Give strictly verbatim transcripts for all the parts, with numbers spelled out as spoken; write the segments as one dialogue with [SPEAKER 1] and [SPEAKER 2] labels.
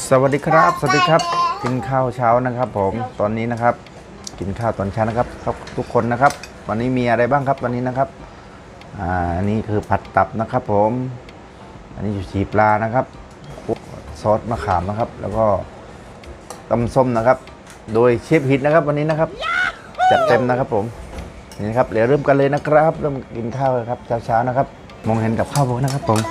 [SPEAKER 1] สวัสดีครับสวัสดีครับกินข้าวเช้านะครับผมตอนนี้นะครับกินข้าวตอนเช้านะครับครับทุกคนนะครับวันนี้มีอะไรบ้างครับวันนี้นะครับอ่าอันนี้คือผัดตับนะครับผมอันนี้อยู่ชีปลานะครับซอสมะขามนะครับแล้วก็ตำส้มนะครับโดยเชฟฮิตนะครับวันนี้นะครับจัดเต็มนะครับผมนี่นะครับเดี๋ยวเริ่มกันเลยนะครับเริ่มกินข้าวครับเช้าๆนะครับมองเห็นกับข้าวผมนะครับผม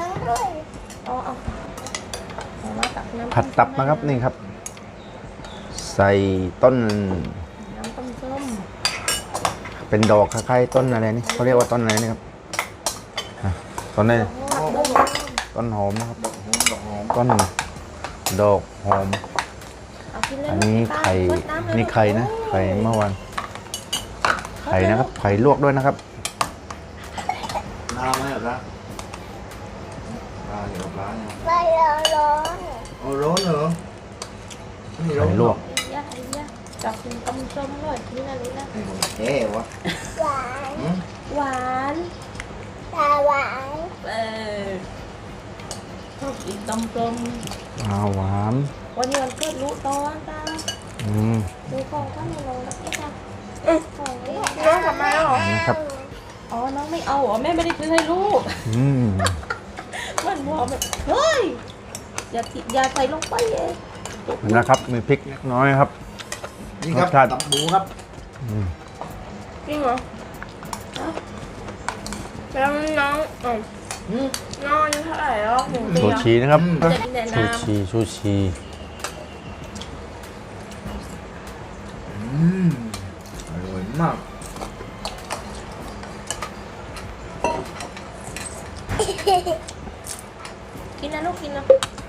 [SPEAKER 1] ผัดตับนะครับนี่ครับใส่ต้น
[SPEAKER 2] น้ำต้มส้ม
[SPEAKER 1] เป็นดอกคล้ายๆต้นอะไรนี่เขาเรียกว่าต้นอะไรนี่ครับต้นนี้ต้นหอมนะครับต้นดอกหอมอันนี้ไข่นี่ไข่นะไข่เมื่อวานไข่นะครับไข่ลวกด้วยนะครับน้ำไหมหรอครับน้ำเดี๋ยวร้านเนี่ย
[SPEAKER 2] ไม่ร้อน
[SPEAKER 1] โอ้ร้อนเหรอไข่ลวก
[SPEAKER 2] ยากยากจับกินต้มส้มเลยที่นั่นเลยนะ
[SPEAKER 1] เอ๊ะวะ
[SPEAKER 2] หวานหวานตาหวานเออชอบกินต้มส้ม
[SPEAKER 1] อ่าหวาน
[SPEAKER 2] วันนี้วันเกิดรู้ตอนตา
[SPEAKER 1] อืม
[SPEAKER 2] ดูของข้างในลงนะเอ๊ะจ้ะเอ๊ะของนี้น้องทำไมหรอ
[SPEAKER 1] นะครับ
[SPEAKER 2] อ๋อน้องไม่เอาเหรอแม่ไม่ได้ซื้อให้ลูก
[SPEAKER 1] อืม
[SPEAKER 2] มันหัวมันเฮ้ยอย่าอย่าใส่ลงไปเอง
[SPEAKER 1] นะครับมีพริกน้อยครับ
[SPEAKER 3] นี่ครับตับหมูครับ
[SPEAKER 2] จริงเหรอแล้วน้องอ๋อน้องอายุเท่าไหร่แล้วหนึ่งปี
[SPEAKER 1] ชูชีนะครับชูชีชูชี
[SPEAKER 3] อืมอร่อยมาก
[SPEAKER 2] กินนะลูกกินนะ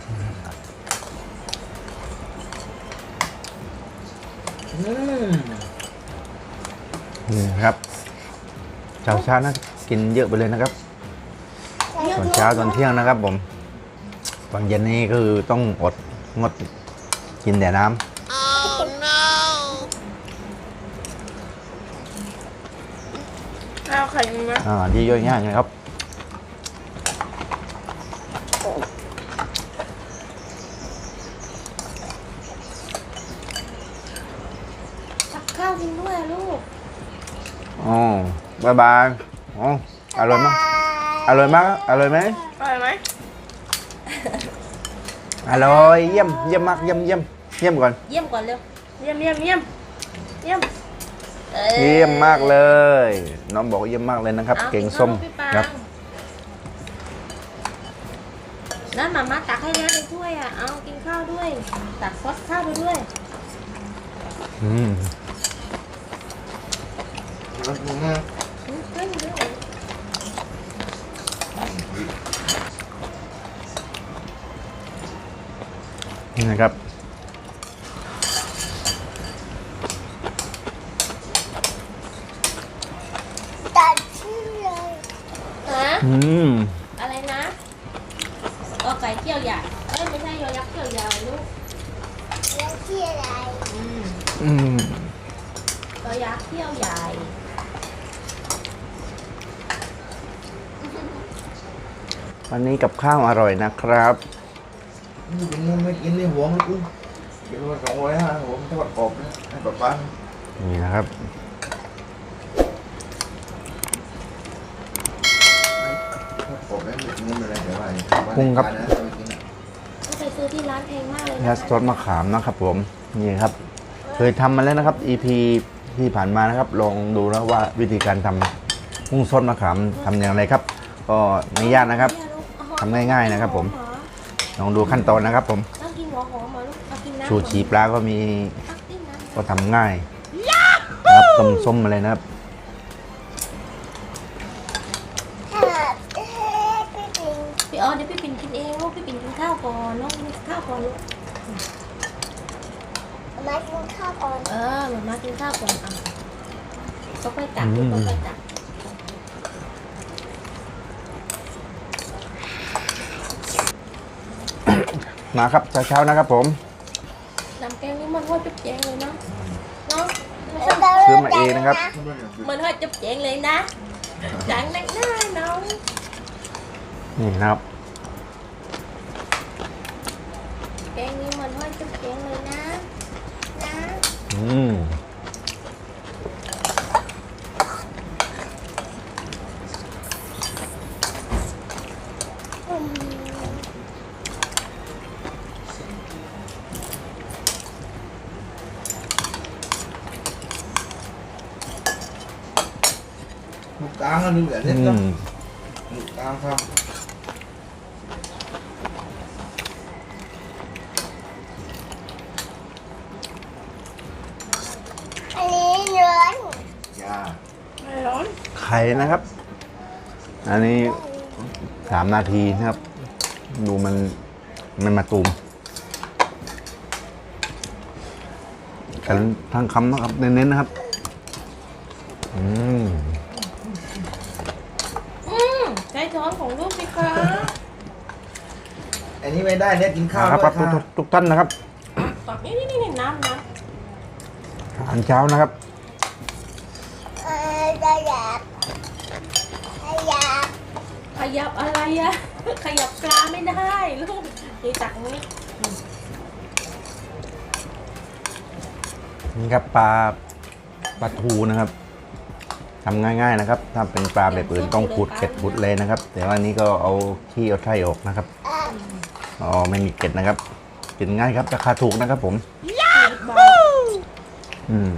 [SPEAKER 1] นี่ครับเช้าเช้านะกินเยอะไปเลยนะครับตอนเช้าตอนเที่ยงนะครับผมตอนเย็นนี้คือต้องอดงดกินแต่น้ำ
[SPEAKER 2] oh, no. เอาไข่ไหม
[SPEAKER 1] อ่าที่ย่อยง่ายนะครับ
[SPEAKER 2] ข้าวกินด้วยลูก
[SPEAKER 1] อ๋อบายบายอ๋ออร่อยมากอร่อยมากอร่อยไหม
[SPEAKER 2] อร่อยไหม
[SPEAKER 1] อร่อยเยี่ยมเยี่ยมมากเยี่ยมเยี่ยมเยี่ยมก่อน
[SPEAKER 2] เยี่ยมก่อนเร็วเยี่ยมเยี่ยมเยี่ยมเยี่ยม
[SPEAKER 1] เยี่ยมมากเลยน้องบอกเยี่ยมมากเลยนะครับเก่งส้มครับ
[SPEAKER 2] นั่นมาม่าตักให้แล้วในถ้วยอ่ะเอากินข้าวด้วยตักซอสข้าวไปด้วย
[SPEAKER 1] อืมนี่นะครับ
[SPEAKER 2] ตัดชื่อเลยนะ
[SPEAKER 1] อืม
[SPEAKER 2] อะไรนะก็ไก่เกี่ยวใหญ่เอ้ยไม่ใช่ยอยักษ์เกี่ยวใหญ่ลูกยักษ์เกี่ยวใหญ่อืม
[SPEAKER 1] อืม
[SPEAKER 2] ยอยักษ์เกี่ยวใหญ่
[SPEAKER 1] วันนี้กับข้าวอร่อยนะครับ
[SPEAKER 3] นี่เป็นงูไม่กินในหัวมันกูกินมาสองร้อยห้าหัวมันทอดกรอบนะให้ป๊าป๊า
[SPEAKER 1] นี่นะครับ
[SPEAKER 3] ทอดกรอบแล้วงูมันอะไรเดี๋ยวอะไร
[SPEAKER 1] กุ้งครับ
[SPEAKER 2] ไปซื้อที่ร้านแพงมากเลย
[SPEAKER 1] นะซอสมะขามนะครับผมนี่ครับเคยทำมาแล้วนะครับ อี พี ที่ผ่านมานะครับลองดูนะว่าวิธีการทำกุ้งซอสมะขามทำอย่างไรครับก็ไม่ยากนะครับทำง่ายๆนะครับผมลองดูขั้นตอนนะครับผมชูชีปลาก็มีก็ทำง่ายนะครับต้มส้มอะไรนะครับ
[SPEAKER 2] พี่อ๋อเดี๋ยวพี่ปิ่นกินเองลูกพี่ปิ่นกินข้าวก่อนน้องกินข้าวก่อนลูกมากินข้าวก่อนเออมากินข้าวก่อนอ่ะก็ไปตักก็ไปตัก
[SPEAKER 1] มาครับเช้าๆนะครับผม
[SPEAKER 2] น้ำแกงนี่มันว่าจุ๊บแจงเลยเนาะเนาะ
[SPEAKER 1] ซื้อมาเองนะครับ
[SPEAKER 2] มันว่าจุ๊บแจงเลยนะจังนักหน้าน้อง
[SPEAKER 1] นี่นะครับ
[SPEAKER 2] แกงนี้มันว่า
[SPEAKER 3] กันดูแบบ
[SPEAKER 1] อื
[SPEAKER 3] นี้ก็
[SPEAKER 1] ม
[SPEAKER 3] ตามครับ
[SPEAKER 2] อันนี้เนื้อย
[SPEAKER 3] า
[SPEAKER 2] ไม่ร้อน
[SPEAKER 1] ไข่นะครับ อันนี้สามนาทีนะครับ ดูมันมันมาตูมกันทั้งคำนะครับเน้นๆนะครับ อืม
[SPEAKER 2] อืมใช้ช้อนของลูกสิคะ
[SPEAKER 3] อันนี้ไม่ได้เนี่ยกินข้าว
[SPEAKER 1] ครับ
[SPEAKER 3] ด้วย
[SPEAKER 1] ครับทุ
[SPEAKER 3] ค่ะ
[SPEAKER 1] กทุกท่านนะครับ
[SPEAKER 2] ตักนี่นี่นี่น้ำน้
[SPEAKER 1] อาหารเช้านะครับ
[SPEAKER 2] ำเออขยับขยับขยับอะไรอะขยับปลาไม่ได้ลูกนี่ตักนี้
[SPEAKER 1] นี่ครับปลาปลาทูนะครับทำง่ายๆนะครับ ถ้าเป็นปลาแบบอื่นต้องขูดเกล็ดขูดเลยนะครับ แต่ว่านี้ก็เอาขี้เอาไส้ออกนะครับอ๋อไม่มีเกล็ดนะครับกินง่ายครับราคาถูกนะครับ ผม อืม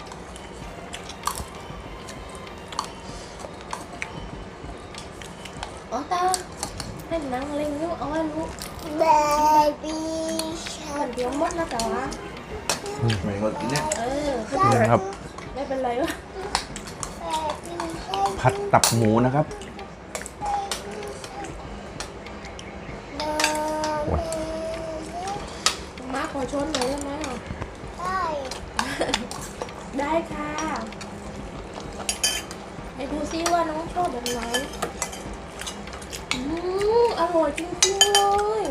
[SPEAKER 2] อ๋อตาให้นังเล็งลูกเอาไว้ลูก
[SPEAKER 4] Baby
[SPEAKER 2] มันเดี๋ยวมดนะแต่ว่า
[SPEAKER 3] ไม่หมดกินเนี่ย
[SPEAKER 2] เออ
[SPEAKER 1] นี่นะครับ
[SPEAKER 2] ไม่เป็นไรวะ
[SPEAKER 1] ผัดตับหมูนะครับโอ้ย
[SPEAKER 2] มาขอช้อนหน่อยได้ไหมอ่ะ
[SPEAKER 4] Bye.
[SPEAKER 2] ได้ค่ะไปดูซิว่าน้องชอบแบบไหนอืมอร่อยจริงๆเลย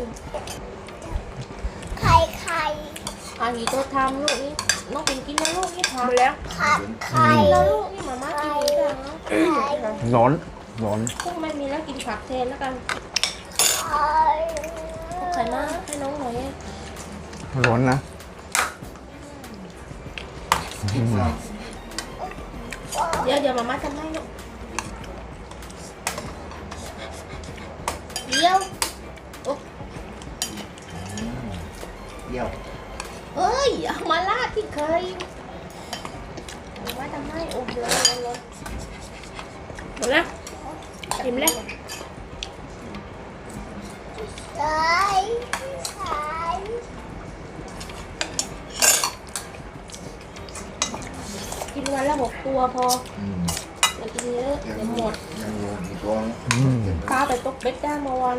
[SPEAKER 4] ไข่ไข่
[SPEAKER 2] อันนี้ตัวทำลูกนี่น้องปิ่นกินนะลูกนี่ทำแล้ว
[SPEAKER 4] ผัดไข่
[SPEAKER 2] กินแล้วลูกนี่มาม่ากินเองจังนะ
[SPEAKER 1] ร้อนร้อน
[SPEAKER 2] พวกไม่มีแล้วกินผักแทนแล้วกัน
[SPEAKER 4] ไข่
[SPEAKER 2] เอาไข่มาให้น้องหน่อย
[SPEAKER 1] ร้อนนะอืม
[SPEAKER 2] เดี๋ยวเดี๋ยวมาม่าทำให้ลูกเดี๋ยวโอ้
[SPEAKER 3] เยี่ยว
[SPEAKER 2] เอ้ยเอามาลาดที่เคยมาม่าทำให้โอ้เดี๋ยวเอาเลยหมดแล้วอิ่มแล้ว
[SPEAKER 4] ไข่ไข่
[SPEAKER 2] กินวันละหกตัวพอ
[SPEAKER 3] อืม
[SPEAKER 2] อย่ากินเยอะเดี๋ยวหมด
[SPEAKER 3] ยังอยู่อีกตัวนึง
[SPEAKER 1] อืม
[SPEAKER 2] ปลาไปตกเบ็ดได้เมื่อวัน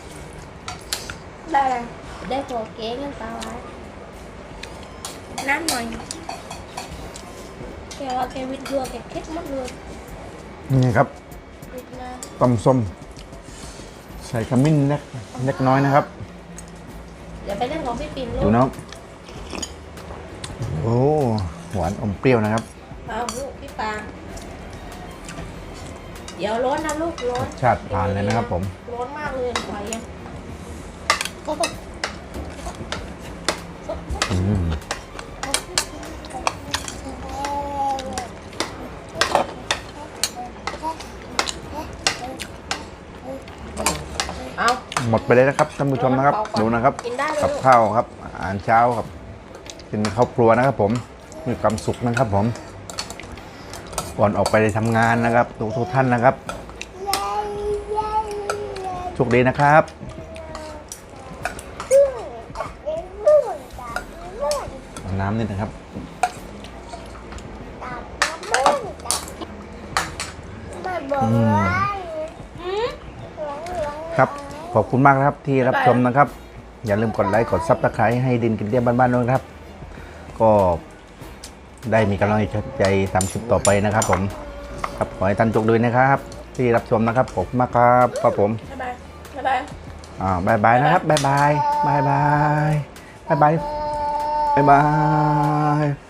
[SPEAKER 2] ได้ได้ตัวเก๋กันปลาไว้น้ำหน่อยแกว่าแกวิดเรือแกเค็ดหมดเลย
[SPEAKER 1] นี่ครับ
[SPEAKER 2] วิดมา
[SPEAKER 1] ตำส้มใส่ขมิ้นเล็กเล็กน้อยนะครับ
[SPEAKER 2] เดี๋ยวไปเล่นของพี่ปิ่นลู
[SPEAKER 1] ดู
[SPEAKER 2] ก
[SPEAKER 1] นะครับโอ้หวานอมเปรี้ยวนะครับ
[SPEAKER 2] เอาลูกพี่ปาเดี๋ยวร้อนนะลูกร้อน
[SPEAKER 1] ชาติผ่านเลยนะครับผม
[SPEAKER 2] ร้อนมากเลยไฟอ่ะก็ต้อง
[SPEAKER 1] อืม
[SPEAKER 2] เอา
[SPEAKER 1] หมดไปเลยนะครับท่านผู้ชมนะครับ ดูนะครับ
[SPEAKER 2] กินได้เลย
[SPEAKER 1] กับ
[SPEAKER 2] ลูก
[SPEAKER 1] ข้าวครับอาหารเช้าครับเป็นข้าวครัวนะครับ ผมมีความสุขนะครับ ผมก่อนออกไปทำงานนะครับทุกทุกท่านนะครับ
[SPEAKER 4] เย้เย้เย้
[SPEAKER 1] โชคดีนะครับ
[SPEAKER 4] พึ่งเป็นพึ่งตับพึ่ง
[SPEAKER 1] เอาน้ำนิดนะครับ
[SPEAKER 4] ตับพึ่งตับมาบอกว่า
[SPEAKER 2] อืม
[SPEAKER 4] หลงหลง
[SPEAKER 1] ครับขอบคุณมากนะครับที่รับชมนะครับ อย่าลืมกดไลค์กดซับสไครต์ให้ดินกินเตี้ยบ้านๆด้วยนะครับ ก็ได้มีกำลังใจทำคลิปต่อไปนะครับ ผมครับขอให้ท่านโชคดีนะครับ ที่รับชมนะครับขอบคุณมากครับครับผม
[SPEAKER 2] บ๊ายบายบ๊ายบาย
[SPEAKER 1] อ่าบายบายนะครับบายบายบายบายบายบายบายบาย